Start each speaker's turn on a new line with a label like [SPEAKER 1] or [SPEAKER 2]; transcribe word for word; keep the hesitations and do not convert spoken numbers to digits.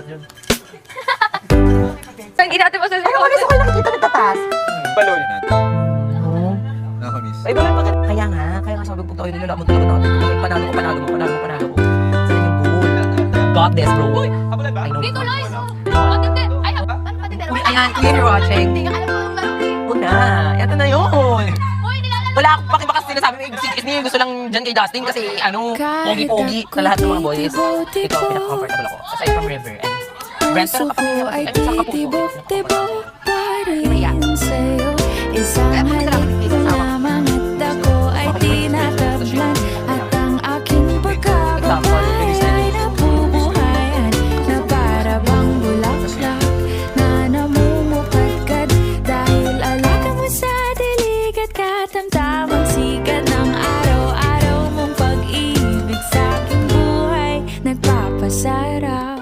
[SPEAKER 1] yun.
[SPEAKER 2] Ang ginati mo sa
[SPEAKER 3] Ay, umalis ako nakikita nagtatas.
[SPEAKER 1] Balo yun natin.
[SPEAKER 3] Oo.
[SPEAKER 1] Nakamiss.
[SPEAKER 3] Ay, bakit bakit? Kaya nga, kaya nga sabi ko tayo nilalamon talaga natin. Kung panalo ko, panalo ko, panalo ko, panalo ko. Saan yung goal? Got this, bro.
[SPEAKER 1] Habulay ba?
[SPEAKER 3] I know.
[SPEAKER 2] Dito, Lois! Matindi! Ay, ano matindi?
[SPEAKER 3] Uy, ayan, clear you're watching.
[SPEAKER 2] Hindi ka alam mo yung laro.
[SPEAKER 3] Una, yato na yun.
[SPEAKER 2] Uy, nilalaro.
[SPEAKER 3] Wala akong pakibakas sinasabi mo, si Disney, gusto lang dyan kay Dustin kasi ano, pogi-pogi sa lahat ng mga boys. Ito, pinaka-comfortable ako. Aside from River and Brent, pero kapamilya kasi, ay, sa kapuso. Maya.
[SPEAKER 4] Isang halik na lamang at ako ay tinatablan. At ang aking pagkababae ay nabubuhayan na para bang bulaklak na namumukadkad. Dahil alaga mo sa dilig at katamtamang sikat ng araw-araw mong pag-ibig sa aking buhay nagpapasarap.